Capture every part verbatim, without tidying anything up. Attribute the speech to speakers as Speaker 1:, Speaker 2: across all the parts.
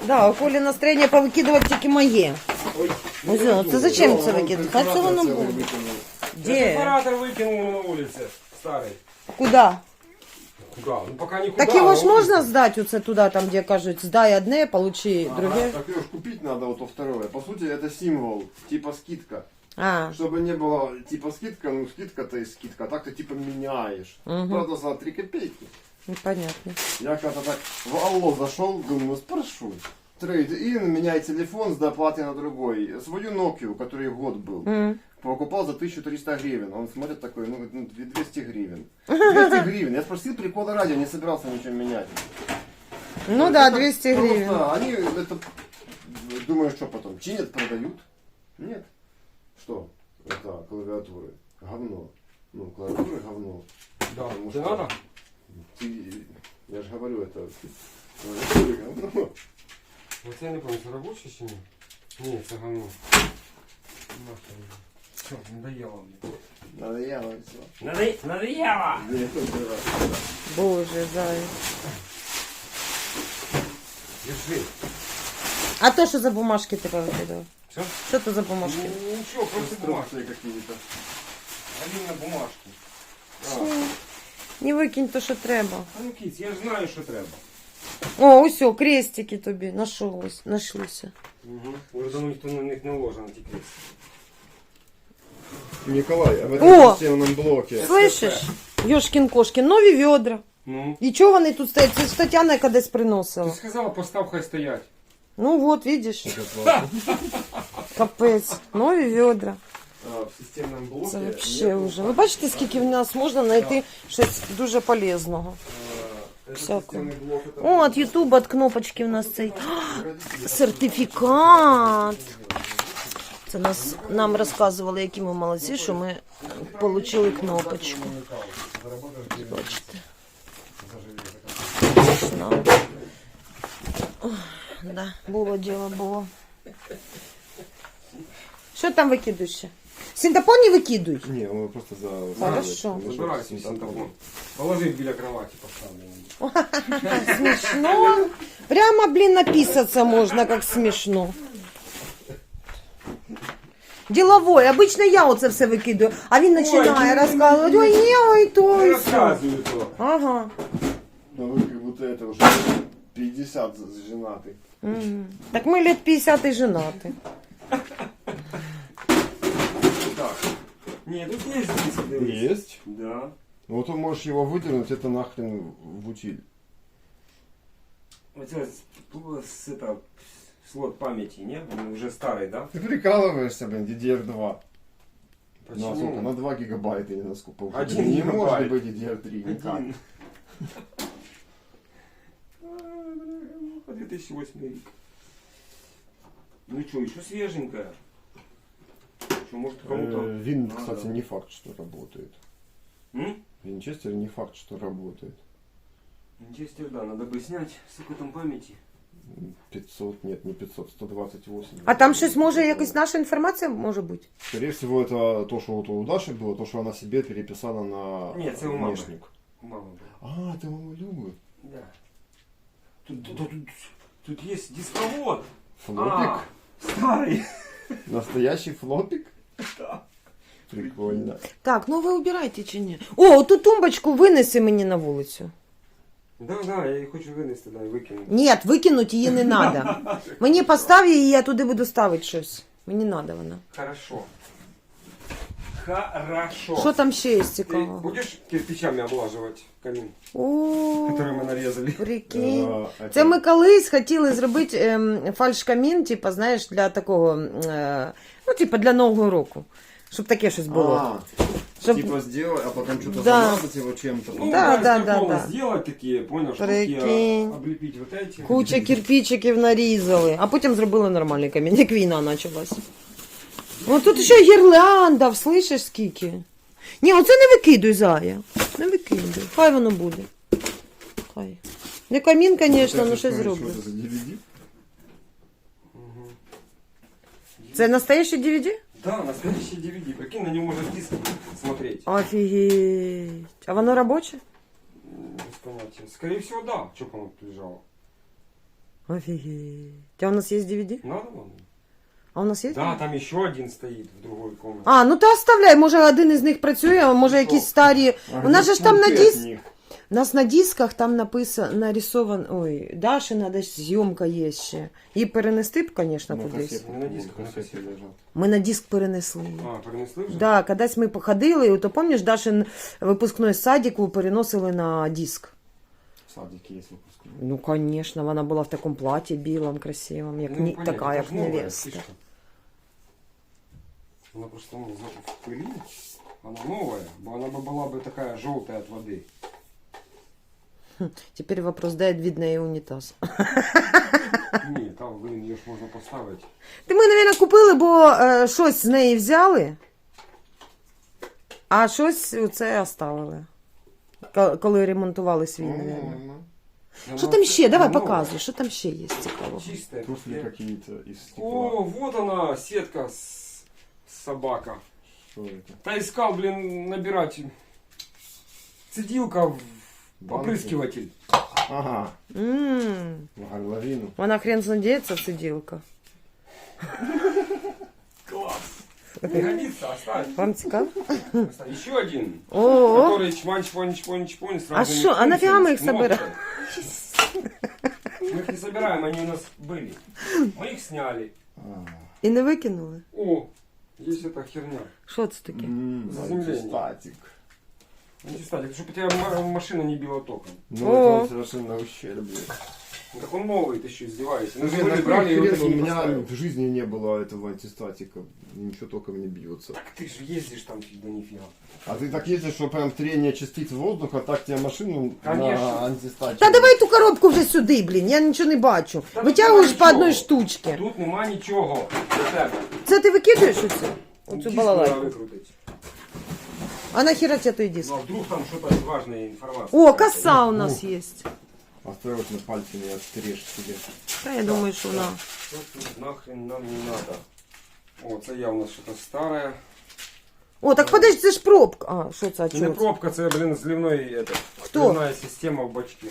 Speaker 1: Да, у Колі настроєння повикидувати тільки моє.
Speaker 2: Ой,
Speaker 1: Ось, ну, це зачем це викидати? Хай це воно буде.
Speaker 2: Я
Speaker 1: Де?
Speaker 2: сепаратор выкинул на улице старый.
Speaker 1: Куда?
Speaker 2: Куда? Ну пока никуда.
Speaker 1: Так його
Speaker 2: а
Speaker 1: ж
Speaker 2: он-
Speaker 1: можна здати оце туди, там, де кажуть, здай одне, получи друге.
Speaker 3: Так ее ж купить надо, вот то второе. По сути, это символ, типа скидка.
Speaker 1: А,
Speaker 3: Чтобы не было типа скидка, ну скидка-то и скидка, а так ты типа меняешь.
Speaker 1: Мгм.
Speaker 3: Правда, за три копейки.
Speaker 1: непонятно.
Speaker 3: Я когда так в Алло зашел, думаю, ну спрошу. Трейд-ин, меняй телефон с доплатой на другой. Свою Nokia, который год был,
Speaker 1: М.
Speaker 3: покупал за тысячу триста гривен. Он смотрит такой, ну, ну, двести гривен. двести гривен. Я спросил прикола ради, не собирался ничего менять.
Speaker 1: Ну да,
Speaker 3: Это
Speaker 1: двести
Speaker 3: просто
Speaker 1: гривен.
Speaker 3: Они это, думаю, что потом, чинят, продают? Нет. Что? Это клавиатуры. Говно. Ну, клавиатуры говно.
Speaker 2: Да,
Speaker 3: Потому
Speaker 2: тебе
Speaker 3: что-
Speaker 2: надо?
Speaker 3: Ты- я же говорю, это клавиатуры говно.
Speaker 2: Вот я не помню, это рабочий чи ні? Ні, це говно. Нахрен. Все, надоело мне.
Speaker 3: Надоело все.
Speaker 2: Надо... Надоело!
Speaker 1: Боже, зай.
Speaker 2: Держи.
Speaker 1: А то, що за бумажки ти повикидав?
Speaker 2: Все?
Speaker 1: Що то за бумажки?
Speaker 2: Ну ничего, просто бумажки.
Speaker 3: Инструкции какие-то.
Speaker 2: Галина бумажки.
Speaker 1: Не викинь то, що треба.
Speaker 2: А ну кіць, я ж знаю, що треба.
Speaker 1: О, ось, о, крестики тобі нашлось, нашлися.
Speaker 2: Угу. Уже давно ніхто на них не ложив на ті крест.
Speaker 3: Николай, а в
Speaker 1: О!
Speaker 3: этом системном блоке.
Speaker 1: Слышиш? Йошкін кошкін, нові відра.
Speaker 2: Ну?
Speaker 1: І чого вони тут стоять? Це ж Тетяна яка десь приносила.
Speaker 2: Ти сказала, постав, хай стоять.
Speaker 1: Ну вот, видиш. Капець, нові відра.
Speaker 3: А, в системном блоке.
Speaker 1: Це вообще
Speaker 3: нету,
Speaker 1: вже. Ви бачите, скільки в нас можна знайти щось дуже полезного.
Speaker 3: а, этот
Speaker 1: Всякого.
Speaker 3: системный блок, это
Speaker 1: О, от Ютуба от кнопочки в нас цей сертифікат. Це нас, нам розказували, які ми молодці, що ми отримали кнопочку. Бачите. Смішно. Ох, да, було діло, було. Що там викидуєш ще? Синтепон не викидуй.
Speaker 3: Не, он просто за...
Speaker 1: Хорошо.
Speaker 2: Забирай свій синтепон. Положи біля кровати, поставлю.
Speaker 1: Смешно. Прямо, блин, написаться можно, как смешно. Деловой. Обычно я оце все викидаю, а він починає розказувати. Ой, ні, ой, то,
Speaker 2: Не
Speaker 1: ой, все.
Speaker 2: розказую то.
Speaker 1: Ага.
Speaker 3: Ну вы как будто это уже пятьдесят женатый.
Speaker 1: Мгм. Так ми лет пятьдесят і женаты.
Speaker 2: Так. Ні, тут є здесь, дивись.
Speaker 3: Есть.
Speaker 2: Да.
Speaker 3: Ну вот ты можешь его выдернуть, это нахрен в утиль.
Speaker 2: Оце с, это, слот памяти, не? Он уже старый, да?
Speaker 3: Ты прикалываешься, блин, ди ди ар два.
Speaker 2: Почему?
Speaker 3: На сколько? На два гигабайта или на сколько?
Speaker 2: Один
Speaker 3: не
Speaker 2: гигабайт.
Speaker 3: может быть ди ди ар три никак.
Speaker 2: Один. две тысячи восьмой рік. Ну что, еще свеженькая. Что, может кому-то...
Speaker 3: Э, Вин,
Speaker 2: надо?
Speaker 3: кстати, не факт, что работает.
Speaker 2: М?
Speaker 3: Винчестер не факт, что работает.
Speaker 2: Винчестер, да, надо бы снять с там памяти.
Speaker 3: пятьсот, нет, не пятьсот, сто двадцать восемь.
Speaker 1: А там щось може, якась наша інформація може бути?
Speaker 3: Скорее всего, это то, что вот у Даши было, то, что она себе переписала на
Speaker 2: Нет, это у мамы.
Speaker 3: внешник.
Speaker 2: У мамы был.
Speaker 3: А, это мама Любы.
Speaker 2: Да. Тут, тут, тут, тут есть дисковод.
Speaker 3: Флопик?
Speaker 2: А, старый.
Speaker 3: Настоящий флопик?
Speaker 2: Да.
Speaker 3: Прикольно.
Speaker 1: Так, ну ви убирайте чи ні? О, ту тумбочку винеси мені на вулицю.
Speaker 2: Да, да, я її хочу винести, да, і викинути.
Speaker 1: Ні, викинути її не треба. Мені постав її, я туди буду ставити щось. Мені треба вона.
Speaker 2: Хорошо. Хорошо.
Speaker 1: Що там ще є
Speaker 2: Ты
Speaker 1: цікавого?
Speaker 2: будешь кирпичами облаживать камин,
Speaker 1: О,
Speaker 2: который мы нарезали?
Speaker 1: прикинь.
Speaker 3: А,
Speaker 1: Це ми колись хотіли зробити ем, фальшкамін, типу, знаєш, для такого, е, ну, типу, для Нового року. Щоб таке щось було.
Speaker 3: А,
Speaker 1: Щоб...
Speaker 3: типа сделать, а потом что-то
Speaker 1: Да.
Speaker 3: замазать его чем-то.
Speaker 2: Ну,
Speaker 1: Да,
Speaker 2: из
Speaker 1: да, да,
Speaker 2: картона
Speaker 1: да.
Speaker 2: сделать такие, понял, штуки,
Speaker 1: Прикинь.
Speaker 2: а, облепить вот эти.
Speaker 1: Куча кирпичиків нарізали, а потім зробили нормальний камінь, як війна почалась. О, тут ще гірлянда, слышиш скільки? Ні, оце не викидуй, Зая. Не викидуй. Хай воно буде. Хай. Не камін, звісно, ну щось зроблю.
Speaker 3: Что это за ди ви ди?
Speaker 1: Це настоящий ді ві ді?
Speaker 2: Да, настоящий ди ви ди. Прикинь, на него можно диск смотреть.
Speaker 1: Офігеть. А воно робоче?
Speaker 2: М, Без понятия. Скорее всего, да. Что оно тут лежало?
Speaker 1: Офигеть. А у нас есть ди ви ди?
Speaker 2: Надо вам?
Speaker 1: А у нас є?
Speaker 2: Да, там еще один стоит в другой комнате.
Speaker 1: А, ну то оставляй, може один із них працює, а може якісь старі. У нас же ж там на диск. У нас на дисках там написано, нарисован, ой, Дашина десь зйомка є ще. Її перенести б, звісно, кудись.
Speaker 2: Не на дисках, на кассете.
Speaker 1: Ми на диск перенесли.
Speaker 2: А, перенесли вже?
Speaker 1: Да, кудись ми походили, то пам'ятаєш, Дашин випускний з садику переносили на диск.
Speaker 3: В садике есть выпускной.
Speaker 1: Ну, конечно, вона була в такому платі білому, красивому, як
Speaker 2: Ну,
Speaker 1: ні,
Speaker 2: понятно,
Speaker 1: така,
Speaker 2: это
Speaker 1: як
Speaker 2: ж новая
Speaker 1: невеста.
Speaker 2: фишка. Она просто ну, запах пыли. Она новая, бо она бы была бы такая желтая от воды.
Speaker 1: Тепер вопрос, де від неї унітаз?
Speaker 2: Ні, там, блин, ее ж можно поставить.
Speaker 1: Ти ми, мабуть, купили, бо е, щось з неї взяли, а щось оце оставили. Ко- Коли ремонтували свій, мабуть.
Speaker 3: Нормально.
Speaker 1: Що там ще? Давай показуй, що там ще є цікавого.
Speaker 2: Чистая.
Speaker 3: Туфли какие-то из стекла.
Speaker 2: О, вот она, сетка с... собака.
Speaker 3: Что это?
Speaker 2: Та искал, блин, набирать. Цедилка в
Speaker 3: Банки?
Speaker 2: опрыскиватель.
Speaker 3: Ага,
Speaker 1: М,
Speaker 3: в горловину.
Speaker 1: Вона хрен знадіється, циділка.
Speaker 2: Класс. Не годится, оставь.
Speaker 1: Вам цікаво?
Speaker 2: Оставь. Еще один.
Speaker 1: О,
Speaker 2: Который чпань, чпань, чпань, чпань. с
Speaker 1: А
Speaker 2: разными
Speaker 1: шо, а нафига мы их
Speaker 2: функциями, с
Speaker 1: собираем?
Speaker 2: кнопкой. Мы их не собираем, они у нас были. Мы их сняли.
Speaker 3: А,
Speaker 1: і не викинули?
Speaker 2: О, есть эта херня.
Speaker 1: Що це таке?
Speaker 3: м,
Speaker 2: Заземление.
Speaker 3: статик.
Speaker 2: Антистатик, чтобы у тебя м- машина не била током.
Speaker 3: Ну,
Speaker 1: О.
Speaker 3: это он совершенно ущербный.
Speaker 2: Ну, так он новый, ты еще издеваешься. Ну,
Speaker 3: Блин,
Speaker 2: были,
Speaker 3: на
Speaker 2: брали,
Speaker 3: брали,
Speaker 2: и вот
Speaker 3: у
Speaker 2: такие
Speaker 3: меня
Speaker 2: поставил.
Speaker 3: в жизни не было этого антистатика. Ничего толком не бьется.
Speaker 2: Так ты же ездишь там всегда нифига.
Speaker 3: А ты так ездишь, что прям трение частиц воздуха, так тебе машину
Speaker 2: Конечно.
Speaker 3: на антистатике.
Speaker 1: Та давай ту коробку вже сюди, блін, я нічого не бачу.
Speaker 2: Та
Speaker 1: Витягуєш
Speaker 2: тут
Speaker 1: по одній
Speaker 2: нічого.
Speaker 1: штучці.
Speaker 2: Тут нема нічого для тебе.
Speaker 1: Це ти викидуєш оце? Оцю
Speaker 2: Диск
Speaker 1: балалайку.
Speaker 2: треба викрутити.
Speaker 1: А нахера тебе той диск?
Speaker 2: Ну, а вдруг там что-то важная информация.
Speaker 1: О, коса у нас є.
Speaker 3: Осторожно, пальцы не отстрежь себе.
Speaker 1: Та я думаю, що вона.
Speaker 2: Что тут нахрен нам не надо? О, це явно что-то старое.
Speaker 1: О, так подожди, це ж пробка. А, що це, а
Speaker 2: Це не
Speaker 1: чого це?
Speaker 2: пробка, це, блин, зливной это.
Speaker 1: Хто?
Speaker 2: Зливная система в бачке.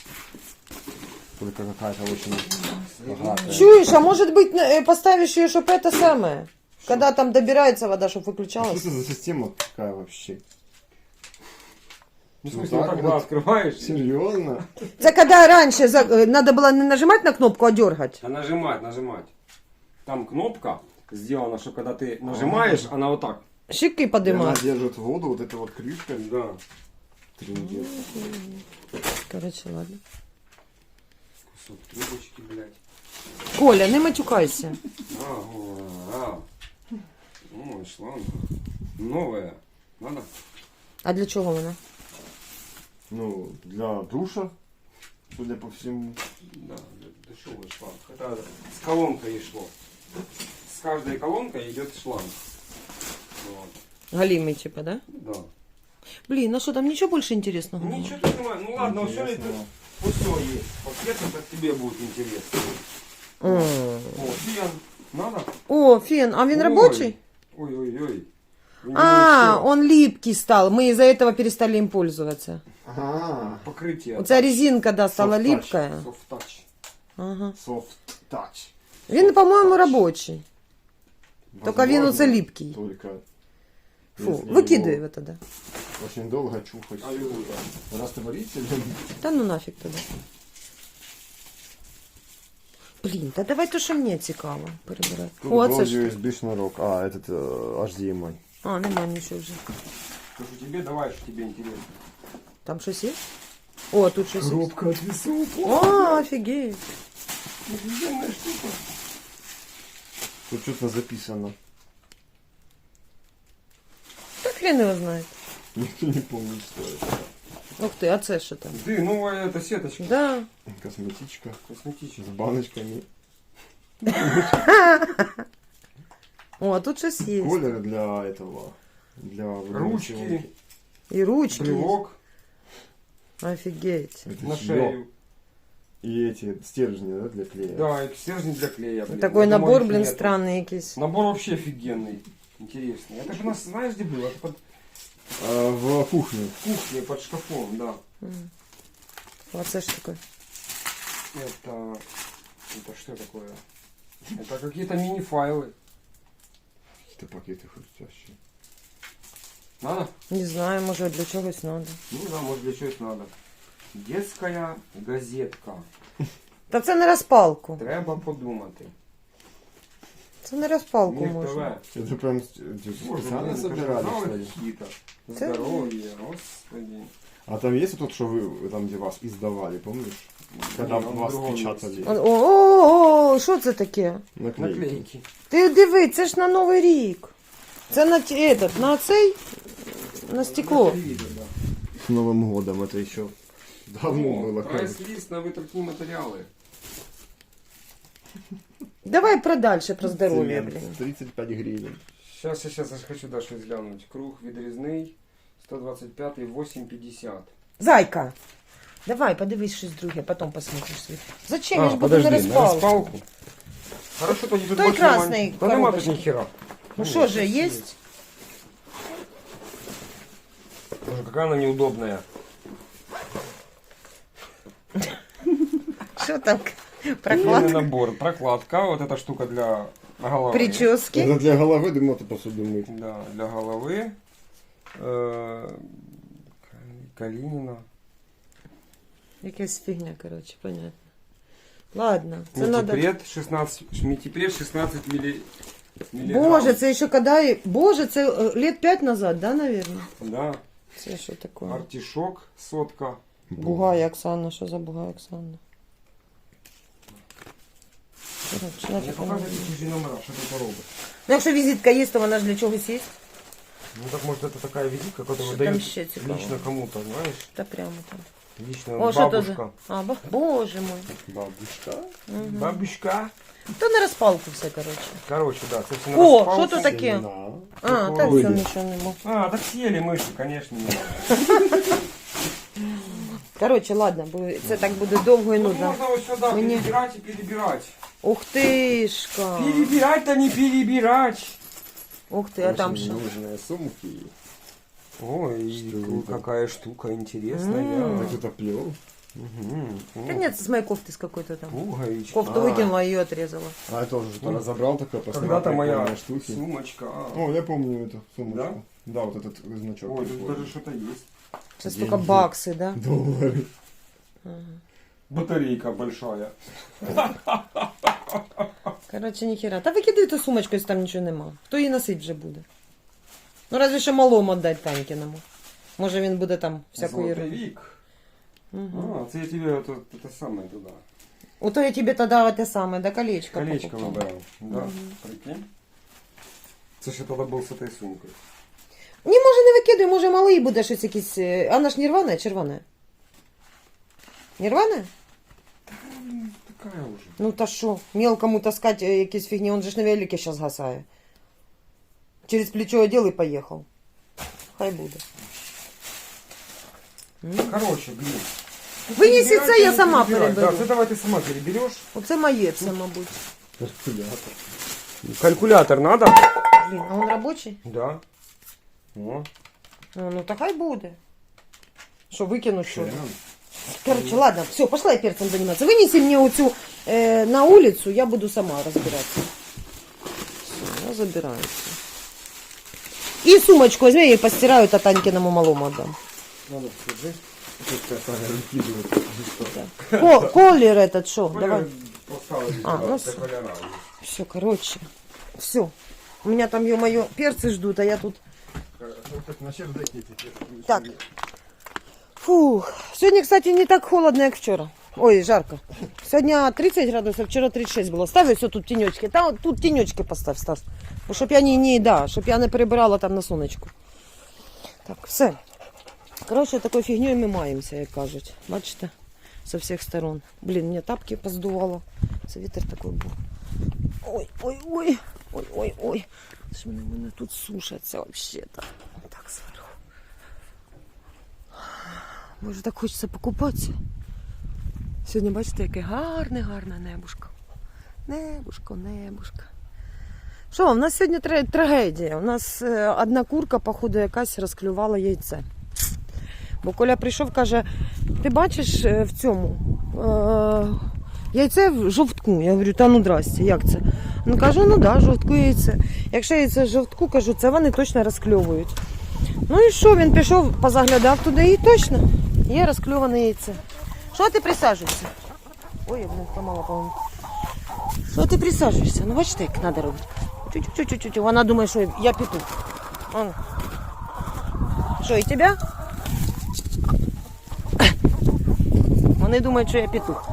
Speaker 3: Только какая-то очень богатая.
Speaker 1: Чуєш, а може бути, е, поставиш її, щоб це саме? Когда там добирається вода, щоб
Speaker 3: А что
Speaker 1: виключалась.
Speaker 3: это за система такая вообще?
Speaker 2: Ну, в
Speaker 3: Ну,
Speaker 2: смысле,
Speaker 3: так
Speaker 2: вот так когда
Speaker 3: вот.
Speaker 2: открываешь,
Speaker 3: Серьезно?
Speaker 1: Це коли раніше за- е, надо було не нажимати на кнопку, а дергати.
Speaker 2: а нажимать, нажимать. Там кнопка сделана, что когда ты нажимаешь, она вот так.
Speaker 1: Щеки
Speaker 3: И она
Speaker 1: подимати.
Speaker 3: держит воду, вот эта вот крышка.
Speaker 2: Да.
Speaker 3: Трындец.
Speaker 1: Короче, ладно.
Speaker 2: Кусок трубочки, блядь.
Speaker 1: Коля, не матюкайся.
Speaker 2: А, о, а. Ой, шланг. Новая. Надо?
Speaker 1: А для чого вона?
Speaker 3: Ну, для душа, судя по всему.
Speaker 2: Да, дешевый шланг. Это с колонкой и шло. С каждой колонкой идет шланг. Вот.
Speaker 1: Галімий, типа, да?
Speaker 2: Да.
Speaker 1: Блін, а що там нічого більше інтересного? немає?
Speaker 2: Ничего тут не Ну ладно, все это
Speaker 3: Интересного.
Speaker 2: все есть. Пакет это тебе будет интересно.
Speaker 1: М.
Speaker 2: О, фен. Надо?
Speaker 1: О, фен, а він
Speaker 2: Ой.
Speaker 1: робочий?
Speaker 2: Ой-ой-ой.
Speaker 1: А, он липкий стал. Мы из-за этого перестали им пользоваться.
Speaker 3: Ага.
Speaker 2: Покрытие.
Speaker 1: Оця резинка, да, стала
Speaker 3: Soft touch.
Speaker 1: липкая.
Speaker 2: Soft touch.
Speaker 1: Ага.
Speaker 3: Soft touch.
Speaker 1: Він, по-моєму, робочий. Тільки він
Speaker 3: Возможно,
Speaker 1: оце липкий.
Speaker 3: Только
Speaker 1: Фу,
Speaker 3: если
Speaker 1: викидай
Speaker 3: его
Speaker 1: його тоді.
Speaker 3: очень долго чухать.
Speaker 2: Аллилуйя.
Speaker 3: Растворителем.
Speaker 1: Та ну нафіг тоді. Блін, та давай то, що мені цікаво перебирати.
Speaker 3: Тут
Speaker 1: О,
Speaker 3: был
Speaker 1: це ж.
Speaker 3: ю ес би шнурок. А, этот э, эйч ди эм ай.
Speaker 1: А, нема нічого вже.
Speaker 2: Скажу тебе, давай, что тебе интересно.
Speaker 1: Там щось є? О, тут щось є.
Speaker 3: от весов.
Speaker 1: О, офігеть.
Speaker 2: Офигенная штука.
Speaker 3: Тут что-то записано.
Speaker 1: Та хрен його знає.
Speaker 3: Никто не помнит, что это.
Speaker 1: Ух ти, а це що там?
Speaker 2: Ты, новая эта сеточка.
Speaker 1: Да.
Speaker 3: Косметичка
Speaker 2: Косметическая.
Speaker 3: с баночками.
Speaker 1: О, а тут щось є.
Speaker 3: Колер для этого. Для водяной
Speaker 2: Ручки.
Speaker 3: силки.
Speaker 1: І ручки. є.
Speaker 2: Брелок
Speaker 1: Офігеть.
Speaker 3: Это
Speaker 2: на
Speaker 3: всё.
Speaker 2: шею.
Speaker 3: И эти стержни, да, для клея.
Speaker 2: Да, и стержни для клея. Блин.
Speaker 1: Такой
Speaker 2: Я думаю,
Speaker 1: набор,
Speaker 2: их
Speaker 1: блин,
Speaker 2: нету.
Speaker 1: странный якийсь.
Speaker 2: Набор вообще офигенный. Интересный. Это же у нас, знаешь, где было? Это под
Speaker 3: А, в кухне.
Speaker 2: кухней, под шкафом, да.
Speaker 1: А це ж таке.
Speaker 2: Это Это что такое? Это какие-то мини-файлы.
Speaker 3: Какие-то пакеты хрустящие.
Speaker 2: Надо?
Speaker 1: Не знаю, може для чогось треба.
Speaker 2: Ну да, может для чего-то надо. Детская газетка.
Speaker 1: Та це не розпалку.
Speaker 2: Треба подумати.
Speaker 1: Це не розпалку
Speaker 2: Мир
Speaker 1: можна.
Speaker 2: ТВ.
Speaker 3: Это прям
Speaker 2: Боже,
Speaker 3: специально
Speaker 2: блин,
Speaker 3: собирали,
Speaker 2: журналы
Speaker 3: что ли?
Speaker 2: какие-то.
Speaker 1: Это-
Speaker 2: Здоровье, господи.
Speaker 3: А там есть вот тот, что вы там, где вас издавали, помнишь? Когда
Speaker 2: Не, он в
Speaker 3: вас
Speaker 2: другом
Speaker 3: печатали.
Speaker 2: месте.
Speaker 1: О, о, о, що це таке?
Speaker 3: Наклейки.
Speaker 2: Наклейки.
Speaker 1: Ти диви, це ж на Новий рік. Це на, ті- этот, на цей, на стекло.
Speaker 2: На телевизор, да.
Speaker 3: С Новым годом это еще давно было.
Speaker 2: О, прайс-лист на витратні матеріали.
Speaker 1: Давай про дальше, про здоров'я,
Speaker 3: Цемент.
Speaker 1: блін.
Speaker 3: тридцать пять гривен.
Speaker 2: Сейчас, сейчас, я хочу да, щось глянуть. Круг відрізний, сто двадцять пять, вісім п'ятдесят.
Speaker 1: Зайка, давай, подивись щось друге, потім посмотриш свій. Зачем? Я
Speaker 2: А,
Speaker 1: ж буду на
Speaker 2: подожди, на
Speaker 1: розпалку.
Speaker 2: розпалку? Хорошо, тоді тут
Speaker 1: Той
Speaker 2: більше
Speaker 1: красний
Speaker 2: нема- Та нема тут
Speaker 1: коробочка.
Speaker 2: ніхера.
Speaker 1: Ну що же, є?
Speaker 2: Боже, какая она неудобная.
Speaker 1: Що там?
Speaker 2: Длинный
Speaker 1: Прокладка?
Speaker 2: набор, прокладка, вот эта штука для головы.
Speaker 1: Прически?
Speaker 3: Это для головы, думал, ты посуду мыть.
Speaker 2: Да, для головы. Э, Калинина.
Speaker 1: Якась фігня, коротше, понятно. Ладно, це надо...
Speaker 2: Метипред шестнадцать, метипред шестнадцать милли, миллиграмм.
Speaker 1: Боже, це ще коли... Боже, це е, лет п'ять назад, да, наверное?
Speaker 2: Да,
Speaker 1: Це що таке?
Speaker 2: артишок, сотка.
Speaker 1: Бугай Оксана, що за Бугай Оксана? Коротше,
Speaker 2: Мне
Speaker 1: нафіг вона
Speaker 2: показывают
Speaker 1: мені.
Speaker 2: чужие номера, что это робот.
Speaker 1: Ну, якщо візитка є, то вона ж для чогось є.
Speaker 2: Ну так может это такая визитка, которую
Speaker 1: Что там
Speaker 2: дают
Speaker 1: ще цікаво?
Speaker 2: лично кому-то, знаешь?
Speaker 1: Та прямо там.
Speaker 2: Лично
Speaker 1: О, що то за...
Speaker 2: бабушка.
Speaker 1: А, ба... Боже мой.
Speaker 3: Бабушка.
Speaker 1: Угу.
Speaker 2: Бабушка.
Speaker 1: То на розпалку все, коротше.
Speaker 2: Короче, да, це все на
Speaker 1: О,
Speaker 2: розпалку.
Speaker 1: що то таке?
Speaker 3: Семена.
Speaker 1: А,
Speaker 2: Такого
Speaker 1: так
Speaker 3: виду.
Speaker 1: все нічого нема.
Speaker 2: А, так съели мыши, конечно. не надо.
Speaker 1: Коротше, ладно, бо це так буде довго і
Speaker 2: Тут
Speaker 1: нудно.
Speaker 2: можно вот сюда
Speaker 1: Мне-
Speaker 2: перебирать и перебирать.
Speaker 1: Ух тишка.
Speaker 2: Перебирать-то не перебирать.
Speaker 1: Ух ти, а там
Speaker 3: Очень
Speaker 1: що?
Speaker 3: нужные сумки.
Speaker 2: Ой,
Speaker 3: Что это?
Speaker 2: какая штука интересная.
Speaker 1: М.
Speaker 3: Так это плел.
Speaker 2: Мгм.
Speaker 1: Да нет, с моей кофты с какой-то там.
Speaker 2: Пуговичка.
Speaker 1: Кофту
Speaker 2: А,
Speaker 1: выкинула, ее отрезала.
Speaker 3: А это уже что-то разобрал такое, посмотрел.
Speaker 2: Когда-то моя
Speaker 3: прикольные штуки.
Speaker 2: сумочка. А.
Speaker 3: О, я помню эту сумочку. Да, вот этот значок.
Speaker 2: Ой, тут
Speaker 3: прикольный.
Speaker 2: даже что-то есть.
Speaker 1: Сейчас
Speaker 3: Деньги.
Speaker 1: только баксы, да?
Speaker 3: Доллары.
Speaker 2: Батарейка большая.
Speaker 1: Короче, ніхера. Та викидай ту сумочку, якщо там нічого нема. Хто її носить вже буде? Ну, разве що малому віддати Танькіному. Може він буде там всяку
Speaker 2: Золотый
Speaker 1: ерунду.
Speaker 2: вік.
Speaker 1: Угу.
Speaker 2: А, це я тебе это, это самое туда.
Speaker 1: Ото я тебе тоді те саме, да, колечко
Speaker 2: Колечко
Speaker 1: покупала.
Speaker 2: выбрал. Да,
Speaker 1: Мгм.
Speaker 2: прикинь. Це ж я тоді був з этой сумкою.
Speaker 1: Ні, може не викидай, може малий буде щось якийсь. е, А вона ж не рвана, чи рвана? Не рвана?
Speaker 2: Такая уже.
Speaker 1: Ну та що, мелкому таскать е, якісь фігні, он же ж на велике зараз гасає. Через плечо одел і поїхав. Хай буде. М.
Speaker 2: Короче, блин.
Speaker 1: Винеси
Speaker 2: Перебирать
Speaker 1: це,
Speaker 2: и
Speaker 1: я
Speaker 2: не
Speaker 1: сама
Speaker 2: перебирать.
Speaker 1: переберу.
Speaker 2: Да, це давай ти сама перебереш.
Speaker 1: Оце моє це, мабуть.
Speaker 3: Калькулятор.
Speaker 2: Калькулятор надо?
Speaker 1: Блін, а він робочий?
Speaker 2: Да. О,
Speaker 1: Ну, ну та хай буде. Що, викину що?
Speaker 3: Член.
Speaker 1: Короче, ладно, все, пошла я перцем заниматься. Вынеси мне оцю э, на улицу, я буду сама разбираться. Все, я забираюсь. И сумочку возьми, я ее постираю, а Танькиному малому отдам.
Speaker 3: Надо, скажи. Пускай Таня выкидывает.
Speaker 1: Ко- Колер этот, что?
Speaker 2: Коля
Speaker 1: Давай.
Speaker 2: поставили
Speaker 1: А,
Speaker 2: сюда,
Speaker 1: ну
Speaker 2: для
Speaker 1: всё.
Speaker 2: коляра.
Speaker 1: Все, короче. Все. У меня там, ё-моё, перцы ждут, а я тут...
Speaker 3: На чердаке теперь.
Speaker 1: Так. Фух. Сегодня, кстати, не так холодно, как вчера. Ой, жарко. Сегодня тридцать градусов, вчера тридцать шесть было. Ставь все тут тенечки. Там тут тенечки поставь, Стас. Бо щоб я не, не, да, щоб я не перебирала там на сонечку. Так, все. Коротше, такою фігньою ми маємося, як кажуть. Бачите? Со всіх сторон. Блін, мені тапки поздувало. Це вітер такий був. Ой, ой, ой. Ой, ой, ой. Ж мене, мене тут сушаться взагалі-то. Так зверху. Може, так хочеться покупатися. Сьогодні, бачите, яке гарне, гарне небушко. Небушко, небушко. Що, у нас сьогодні тр- трагедія. У нас е, одна курка, походу, якась розклювала яйце. Бо Коля прийшов, каже, ти бачиш е, в цьому, е, Яйце в жовтку. Я говорю, та ну здрасте, як це? Ну кажу, ну да, жовтку яйце. Якщо яйце в жовтку, кажу, це вони точно розкльовують. Ну і що, він пішов, позаглядав туди і точно є розкльоване яйце. Що ти присаджуєшся? Ой, я блин, помала, по-моєму. Що ти присаджуєшся? Ну бачите, як треба робити. Чуть-чуть-чуть-чуть. Вона думає, що я петух. Вон. Що, і тебе? Вони думають, що я петух.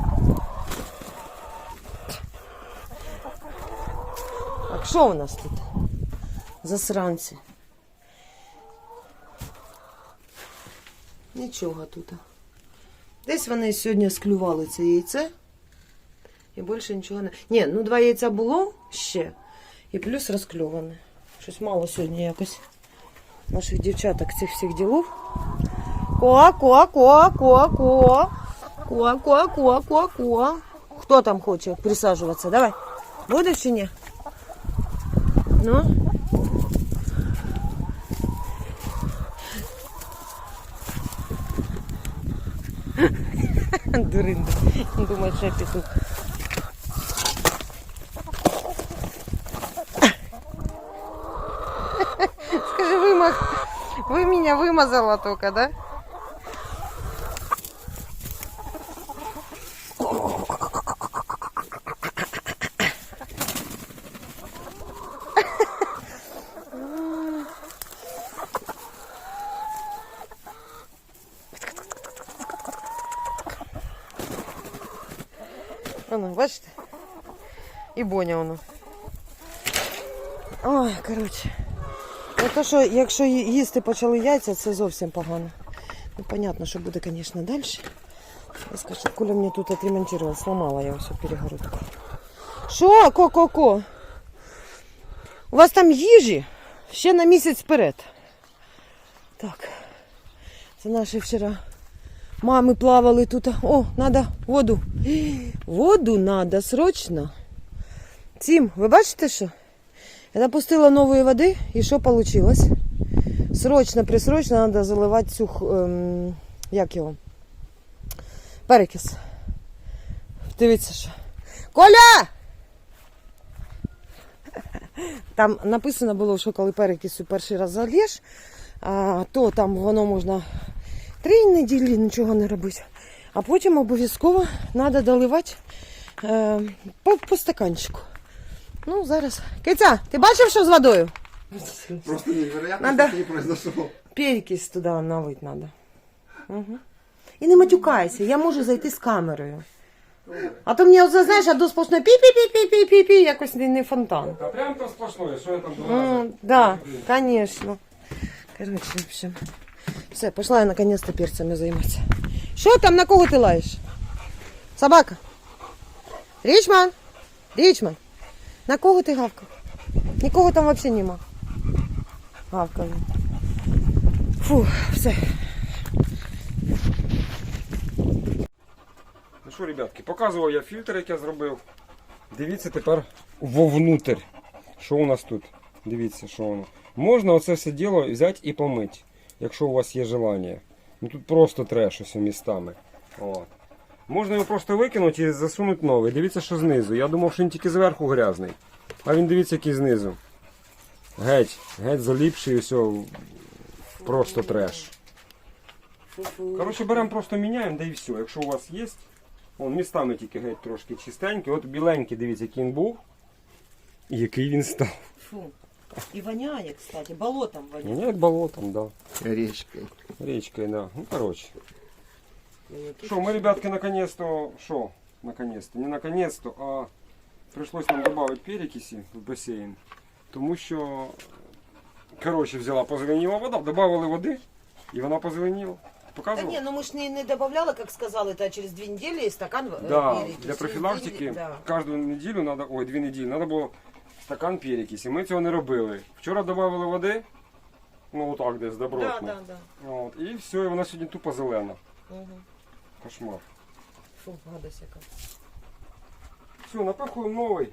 Speaker 1: Так, що у нас тут? Засранці. Нічого тут. Десь вони сьогодні склювали це яйце. І більше нічого не... Ні, ну два яйця було ще. І плюс розкльоване. Щось мало сьогодні якось наших дівчаток цих всіх ділов. Ко, ко, ко, ко, ко. Ко, ко, ко, ко, ко. Хто там хоче присаджуватися? Давай. Будеш чи ні? Ну? Дуринда. Думает, что я петух. Скажи, вымах... вы меня вымазала только, да? Воно, бачите? І Боня воно. Ой, коротше. Ну, то, що, якщо їсти почали яйця, це зовсім погано. Ну, понятно, що буде, звісно, далі. Я скажу, Коля мені тут отремонтувала, сломала я всю перегородку. Що, ко-ко-ко? У вас там їжі ще на місяць вперед. Так. Це наші вчора мами плавали тут. О, надо воду. Воду надо срочно. Тім, ви бачите, що? Я напустила нової води, і що вийшло? Срочно, присрочно треба заливати цю, ем, як його? Перекис. Дивіться, що. Коля! Там написано було, що коли перекису перший раз залєш, а, то там воно можна три неділі нічого не робити. А потім обов'язково треба доливати е, по, по стаканчику. Ну, зараз. Киця, ти бачив, що з водою?
Speaker 3: Просто невероятно,
Speaker 1: Надо...
Speaker 3: что не произошло.
Speaker 1: Перекись туди налити треба. Угу. І не матюкайся, я можу зайти з камерою. А то мені, оце, знаєш, а до сплошної пі-пі-пі-пі-пі-пі, якось не, не фонтан.
Speaker 2: А прям там сплошное, что я там
Speaker 1: Ну,
Speaker 2: думаю?
Speaker 1: да, конечно. Короче, в общем. Все, пошла я наконец-то перцями займатися. Що там, на кого ти лаєш? Собака. Річман. Річман. На кого ти гавкав? Нікого там взагалі нема. Гавкав. Фу, все.
Speaker 2: Ну що, ребятки, показував я фільтр, який я зробив. Дивіться тепер вовнутрь. Що у нас тут? Дивіться, що воно. Можна оце все діло взяти і помити, якщо у вас є бажання. Ну тут просто треш ось містами. От. Можна його просто викинути і засунути новий. Дивіться, що знизу. Я думав, що він тільки зверху грязний. А він, дивіться, який знизу. Геть, геть заліпший, все, просто треш. Коротше, беремо, просто міняємо, да і все. Якщо у вас є, вон містами тільки геть трошки чистенький. От біленький, дивіться, який він був. І який він став.
Speaker 1: Фу. І воняє, кстати, болотом воняє.
Speaker 2: Воняє болотом, да.
Speaker 3: Речкой.
Speaker 2: Речкой, да. Ну, короче. Что, мы, ребятки, наконец-то, что, наконец-то, не наконец-то, а пришлось нам добавить перекиси в бассейн, тому що, короче, взяла, позеленіла вода, добавили води, і вона позеленіла.
Speaker 1: Да
Speaker 2: Показував?
Speaker 1: не, ну мы ж не, не добавляли, как сказали, это через две недели стакан э,
Speaker 2: Да,
Speaker 1: перекиси.
Speaker 2: для профілактики
Speaker 1: Да.
Speaker 2: кожну неділю надо, ой, дві неділі, треба було стакан перекисі. Ми цього не робили. Вчора додавали води, ну отак десь добротно.
Speaker 1: Да, да, да.
Speaker 2: От, і все, і вона сьогодні тупо зелена.
Speaker 1: Угу.
Speaker 2: Кошмар.
Speaker 1: Фу, гадость яка.
Speaker 2: Все, напихуємо новий.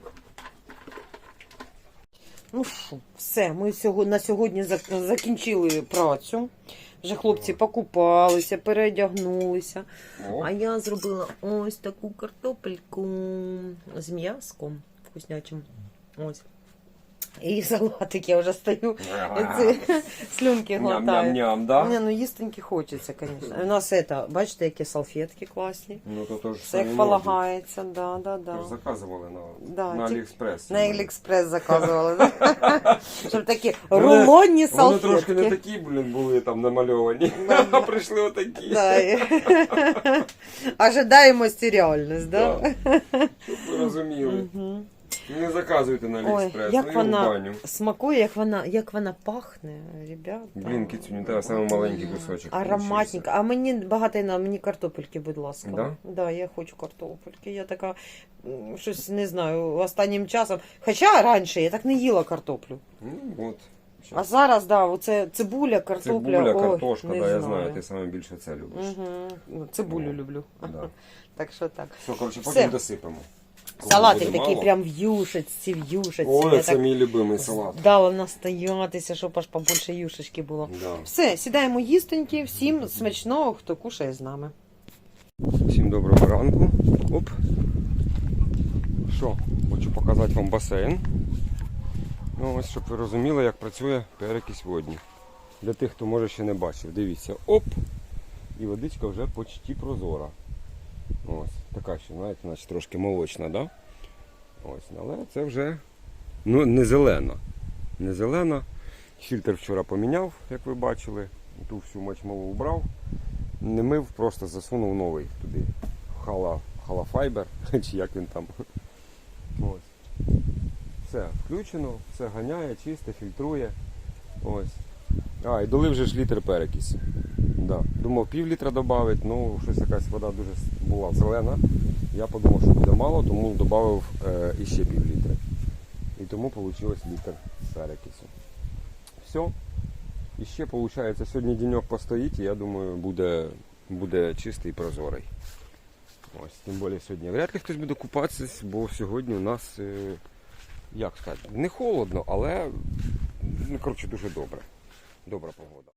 Speaker 1: Ну що, все, ми сьогодні, на сьогодні зак- закінчили працю. Вже хлопці покупалися, переодягнулися.
Speaker 2: О,
Speaker 1: А я зробила ось таку картопельку з м'яском вкуснячим. Ось. І салатик, я вже стою, ці слюнки глотаю.
Speaker 2: ням-ням-ням, да?
Speaker 1: Не, ну їстеньки хочеться, звісно. У нас это, бачите, які салфетки класні.
Speaker 2: Ну то теж
Speaker 1: Все як полагається, да, да, да.
Speaker 2: Тож заказували на,
Speaker 1: Да,
Speaker 2: на
Speaker 1: ті-
Speaker 2: Аліекспрес.
Speaker 1: На Аліекспрес заказували, да? Щоб такі
Speaker 2: Вони-
Speaker 1: рулонні
Speaker 2: Вони трошки не
Speaker 1: салфетки.
Speaker 2: такі, блін, були там намальовані,
Speaker 1: Да.
Speaker 2: а прийшли отакі.
Speaker 1: Да. і- Ожидаємо реальність, да?
Speaker 2: Да. Щоб ви розуміли.
Speaker 1: Мгм.
Speaker 2: Не заказуйте на
Speaker 1: Ой,
Speaker 2: Аліекспрес,
Speaker 1: як
Speaker 2: ну і в
Speaker 1: вона
Speaker 2: баню.
Speaker 1: смакує, як вона, як вона пахне, ребята.
Speaker 2: Блін, кицюню, тебе саме маленький кусочок.
Speaker 1: Ароматненько. А мені багато на мені картопельки, будь ласка.
Speaker 2: Да?
Speaker 1: Да, я хочу картопельки. Я така м, щось не знаю, останнім часом. Хоча раніше я так не їла картоплю.
Speaker 2: Ну, от.
Speaker 1: А зараз, да, оце цибуля, картопля.
Speaker 2: Цибуля,
Speaker 1: ой,
Speaker 2: картошка,
Speaker 1: не
Speaker 2: да, я
Speaker 1: знаю.
Speaker 2: знаю, ти саме більше це любиш.
Speaker 1: Угу. Цибулю
Speaker 2: Ну,
Speaker 1: люблю.
Speaker 2: Да.
Speaker 1: Так що так.
Speaker 2: Все, коротше,
Speaker 1: Все.
Speaker 2: потім досипемо. Кому
Speaker 1: Салатик
Speaker 2: буде
Speaker 1: такий
Speaker 2: мало.
Speaker 1: прям в юшечці, в юшечці.
Speaker 2: Ой,
Speaker 1: Я
Speaker 2: це
Speaker 1: так
Speaker 2: мій любимий салат.
Speaker 1: дала настоятися, щоб аж побольше юшечки було.
Speaker 2: Да.
Speaker 1: Все, сідаємо їстеньки, всім смачного, хто кушає з нами.
Speaker 2: Всім доброго ранку. Оп. Що, хочу показати вам басейн. Ну, ось, щоб ви розуміли, як працює перекись водні. Для тих, хто може ще не бачив. Дивіться, оп! І водичка вже почти прозора. Ось, така ще, знаєте, значить трошки молочна, да? Ось, але це вже ну, не зелена. Не зелена. Фільтр вчора поміняв, як ви бачили. Ту всю мочмову убрав. Не мив, просто засунув новий туди. Хала, халафайбер, чи як він там. Ось. Все включено, все ганяє, чисте, фільтрує. Ось. А, і долив вже ж літр перекись. Да. Думав пів літра додати, ну щось якась вода дуже була зелена. Я подумав, що буде мало, тому додав е, іще пів літра. І тому вийшло літр перекису. Все. І ще, виходить, сьогодні денек постоїть, і я думаю, буде, буде чистий і прозорий. Ось, тим більше сьогодні. Вряд ли хтось буде купатися, бо сьогодні у нас, е, як сказати, не холодно, але, ну, коротше, дуже добре. Добра погода.